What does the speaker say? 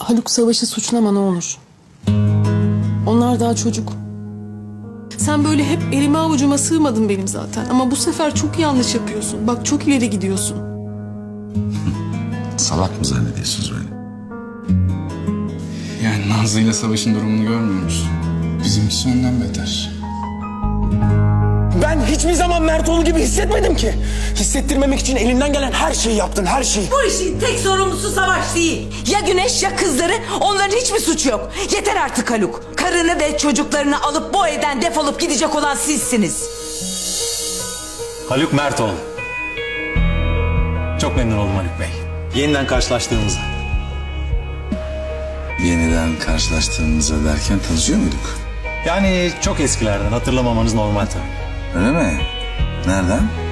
Haluk Savaş'ı suçlama ne olur. Onlar daha çocuk. Sen böyle hep elime avucuma sığmadın benim zaten. Ama bu sefer çok yanlış yapıyorsun. Bak çok ileri gidiyorsun. Salak mı zannediyorsunuz beni? Yani Nazlı ile Savaş'ın durumunu görmüyor musun? Bizimkisi ondan beter. Ben hiçbir zaman Mertoğlu gibi hissetmedim ki. Hissettirmemek için elinden gelen her şeyi yaptın, her şeyi. Bu işin tek sorumlusu Savaş değil. Ya Güneş ya kızları, onların hiçbir suçu yok. Yeter artık Haluk. Karını ve çocuklarını alıp bu evden defolup gidecek olan sizsiniz. Haluk Mertoğlu. Çok memnun oldum Haluk Bey. Yeniden karşılaştığımıza. Yeniden karşılaştığımıza derken tanışıyor muyduk? Yani çok eskilerden hatırlamamanız normal tabii. Öyle mi? Nereden?